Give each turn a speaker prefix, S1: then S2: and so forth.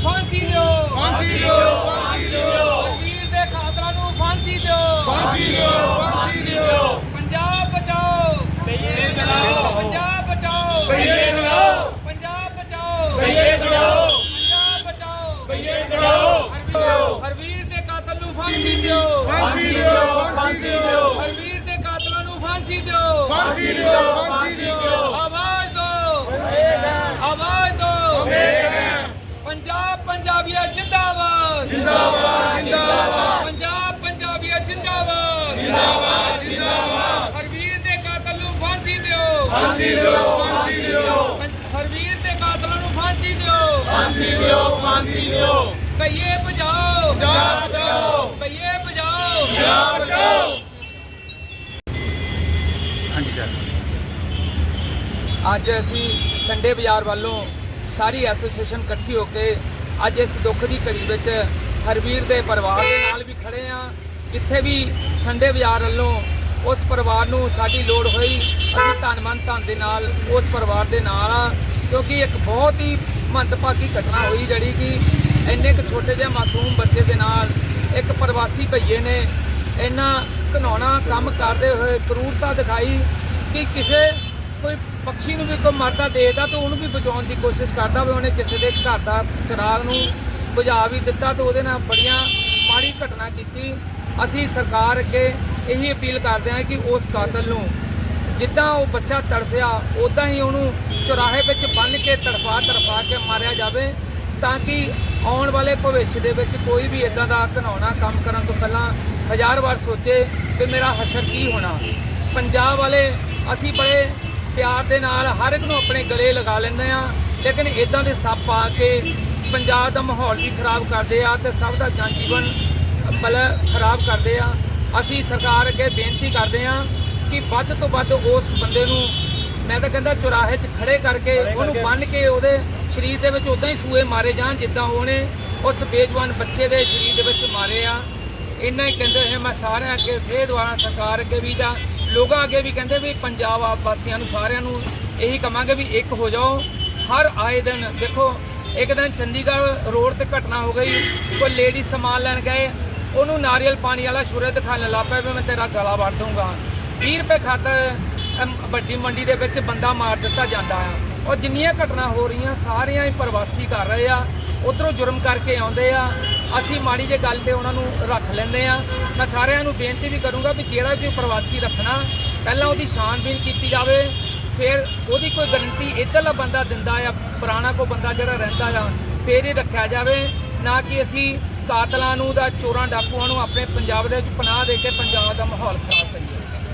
S1: फांसी दो,
S2: फांसी दो, फांसी दो,
S1: वीर दे कातलां नूं फांसी दो,
S2: फांसी दो, फांसी दो,
S1: पंजाब बचाओ,
S2: भैये चलाओ,
S1: पंजाब बचाओ,
S2: भैये चलाओ,
S1: पंजाब बचाओ,
S2: भैये चलाओ,
S1: पंजाब बचाओ,
S2: भैये चलाओ,
S1: हरवीर दे कातल नूं फांसी दो,
S2: फांसी दो, फांसी दो,
S1: हरवीर दे कातलां नूं फांसी दो,
S2: फांसी दो, फांसी दो,
S1: आवाज दो, आवाज दो, पंजाब पंजाबिया जिंदाबाद,
S2: जिंदाबाद, जिंदाबाद,
S1: पंजाब पंजाबिया जिंदाबाद,
S2: जिंदाबाद, जिंदाबाद,
S1: हरवीर दे कातल नूं फांसी दो,
S2: फांसी दो, फांसी दो,
S1: हरवीर दे कातलां नूं फांसी दो,
S2: फांसी दो, फांसी दो,
S1: भैये बचाओ,
S2: पंजाब बचाओ,
S1: भैये बचाओ।
S2: पंजाब बचाओ।
S3: हाँ जी सर।
S1: ਅੱਜ ਅਸੀਂ ਸੰਡੇ ਬਾਜ਼ਾਰ ਵੱਲੋਂ ਸਾਰੀ ਐਸੋਸੀਏਸ਼ਨ ਇਕੱਠੀ ਹੋ ਕੇ ਅੱਜ ਇਸ ਦੁੱਖ ਦੀ ਘੜੀ ਵਿੱਚ ਹਰਵੀਰ ਦੇ ਪਰਿਵਾਰ ਦੇ ਨਾਲ ਵੀ ਖੜੇ ਆ। ਜਿੱਥੇ ਵੀ ਸੰਡੇ ਬਾਜ਼ਾਰ ਵੱਲੋਂ ਉਸ ਪਰਿਵਾਰ ਨੂੰ ਸਾਡੀ ਲੋੜ ਹੋਈ ਅਸੀਂ ਧੰਨ ਦੇ ਨਾਲ ਉਸ ਪਰਿਵਾਰ ਦੇ ਨਾਲ ਆ, ਕਿਉਂਕਿ ਇੱਕ ਬਹੁਤ ਹੀ ਮੰਦਭਾਗੀ ਘਟਨਾ ਹੋਈ ਜਿਹੜੀ ਕਿ ਇੰਨੇ ਕੁ ਛੋਟੇ ਜਿਹੇ ਮਾਸੂਮ ਬੱਚੇ ਦੇ ਨਾਲ ਇੱਕ ਪ੍ਰਵਾਸੀ ਭਈਏ ਨੇ ਇੰਨਾ ਘਿਨਾਉਣਾ ਕੰਮ ਕਰਦੇ ਹੋਏ ਕਰੂਰਤਾ ਦਿਖਾਈ ਕਿ ਕਿਸੇ ਕੋਈ ਪਕਸ਼ੀ ਨੂੰ ਵੀ ਕੋਈ ਮਰਦਾ ਦੇਖਦਾ ਤਾਂ ਉਹਨੂੰ ਵੀ ਬਚਾਉਣ ਦੀ ਕੋਸ਼ਿਸ਼ ਕਰਦਾ ਵੀ ਉਹਨੇ ਕਿਸੇ ਦੇ ਘਰ ਦਾ ਚਿਰਾਗ ਨੂੰ ਬੁਝਾ ਵੀ ਦਿੱਤਾ ਤਾਂ ਉਹਦੇ ਨਾਲ ਬੜੀਆਂ ਮਾੜੀ ਘਟਨਾ ਕੀਤੀ। ਅਸੀਂ ਸਰਕਾਰ ਅੱਗੇ ਇਹੀ ਅਪੀਲ ਕਰਦੇ ਹਾਂ ਕਿ ਉਸ ਕਾਤਲ ਨੂੰ ਜਿੱਦਾਂ ਉਹ ਬੱਚਾ ਤੜਫਿਆ ਉੱਦਾਂ ਹੀ ਉਹਨੂੰ ਚੁਰਾਹੇ ਵਿੱਚ ਬੰਨ੍ਹ ਕੇ ਤੜਫਾ ਕੇ ਮਾਰਿਆ ਜਾਵੇ, ਤਾਂ ਕਿ ਆਉਣ ਵਾਲੇ ਭਵਿੱਖ ਦੇ ਵਿੱਚ ਕੋਈ ਵੀ ਇਦਾਂ ਦਾ ਘਿਨਾਉਣਾ ਕੰਮ ਕਰਨ ਤੋਂ ਪਹਿਲਾਂ ਹਜ਼ਾਰ ਵਾਰ ਸੋਚੇ ਕਿ ਮੇਰਾ ਹਸ਼ਰ ਕੀ ਹੋਣਾ। ਪੰਜਾਬ ਵਾਲੇ ਅਸੀਂ ਬੜੇ ਪਿਆਰ ਦੇ ਨਾਲ ਹਰ ਇੱਕ ਨੂੰ ਆਪਣੇ ਗਲੇ ਲਗਾ ਲੈਂਦੇ ਆ, ਲੇਕਿਨ ਇਦਾਂ ਦੇ ਸੱਪ ਆ ਕੇ ਪੰਜਾਬ ਦਾ ਮਾਹੌਲ ਵੀ ਖਰਾਬ ਕਰਦੇ ਆ ਤੇ ਸਭ ਦਾ ਜਨ ਜੀਵਨ ਖਰਾਬ ਕਰਦੇ ਆ। ਅਸੀਂ ਸਰਕਾਰ ਅੱਗੇ ਬੇਨਤੀ ਕਰਦੇ ਆ ਕਿ ਵੱਧ ਤੋਂ ਵੱਧ ਉਸ ਬੰਦੇ ਨੂੰ ਮੈਂ ਤਾਂ ਕਹਿੰਦਾ ਚੁਰਾਹੇ 'ਚ ਖੜੇ ਕਰਕੇ ਉਹਨੂੰ ਬੰਨ੍ਹ ਕੇ ਉਹਦੇ ਸਰੀਰ ਦੇ ਵਿੱਚ ਉਦਾਂ ਹੀ ਸੂਏ ਮਾਰੇ ਜਾਣ ਜਿੱਦਾਂ ਉਹਨੇ ਉਸ ਬੇਜਵਾਨ ਬੱਚੇ ਦੇ ਸਰੀਰ ਦੇ ਵਿੱਚ ਮਾਰੇ ਆ। ਇੰਨਾ ਹੀ ਕਹਿੰਦੇ ਹੋਏ ਮੈਂ ਸਾਰਿਆਂ ਅੱਗੇ ਫੇਰ ਦੁਆਰਾ ਸਰਕਾਰ ਅੱਗੇ ਵੀ ਜਾਂ ਲੋਕਾਂ ਅੱਗੇ ਵੀ ਕਹਿੰਦੇ ਵੀ ਪੰਜਾਬ ਵਾਸੀਆਂ ਨੂੰ ਸਾਰਿਆਂ ਨੂੰ ਇਹੀ ਕਹਾਂਗੇ ਵੀ ਇੱਕ ਹੋ ਜਾਓ। ਹਰ ਆਏ ਦਿਨ ਦੇਖੋ, ਇੱਕ ਦਿਨ ਚੰਡੀਗੜ੍ਹ ਰੋਡ ਤੇ ਘਟਨਾ ਹੋ ਗਈ, ਕੋਈ ਲੇਡੀ ਸਮਾਨ ਲੈਣ ਗਏ, ਉਹਨੂੰ ਨਾਰੀਅਲ ਪਾਣੀ ਵਾਲਾ ਛੁਰੇ ਦਿਖਾਉਣ ਲੱਗ ਪਿਆ ਵੀ ਮੈਂ ਤੇਰਾ ਗਲਾ ਵੱਢ ਦੂੰਗਾ। 20 ਰੁਪਏ ਖਾਤਰ ਵੱਡੀ ਮੰਡੀ ਦੇ ਵਿੱਚ ਬੰਦਾ ਮਾਰ ਦਿੱਤਾ ਜਾਂਦਾ ਆ। ਔਰ ਜਿੰਨੀਆਂ ਘਟਨਾ ਹੋ ਰਹੀਆਂ ਸਾਰੀਆਂ ਹੀ ਪ੍ਰਵਾਸੀ ਕਰ ਰਹੇ ਆ, ਉੱਧਰੋਂ ਜੁਰਮ ਕਰਕੇ ਆਉਂਦੇ ਆ। ਅਸੀਂ ਮਾੜੀ ਜਿਹੀ ਗੱਲ ਤੇ ਉਹਨਾਂ ਨੂੰ ਰੱਖ ਲੈਂਦੇ ਆ। ਮੈਂ ਸਾਰਿਆਂ ਨੂੰ ਬੇਨਤੀ ਵੀ ਕਰੂੰਗਾ ਵੀ ਜਿਹੜਾ ਵੀ ਪ੍ਰਵਾਸੀ ਰੱਖਣਾ ਪਹਿਲਾਂ ਉਹਦੀ ਛਾਣਬੀਣ ਕੀਤੀ ਜਾਵੇ, ਫਿਰ ਉਹਦੀ ਕੋਈ ਗਰੰਟੀ ਇੱਧਰਲਾ ਬੰਦਾ ਦਿੰਦਾ ਆ, ਪੁਰਾਣਾ ਕੋਈ ਬੰਦਾ ਜਿਹੜਾ ਰਹਿੰਦਾ ਆ, ਫਿਰ ਹੀ ਰੱਖਿਆ ਜਾਵੇ, ਨਾ ਕਿ ਅਸੀਂ ਕਾਤਲਾਂ ਨੂੰ ਦਾ ਚੋਰਾਂ ਡਾਕੂਆਂ ਨੂੰ ਆਪਣੇ ਪੰਜਾਬ ਦੇ ਵਿੱਚ ਪਨਾਹ ਦੇ ਕੇ ਪੰਜਾਬ ਦਾ ਮਾਹੌਲ ਖਰਾਬ ਕਰੀਏ।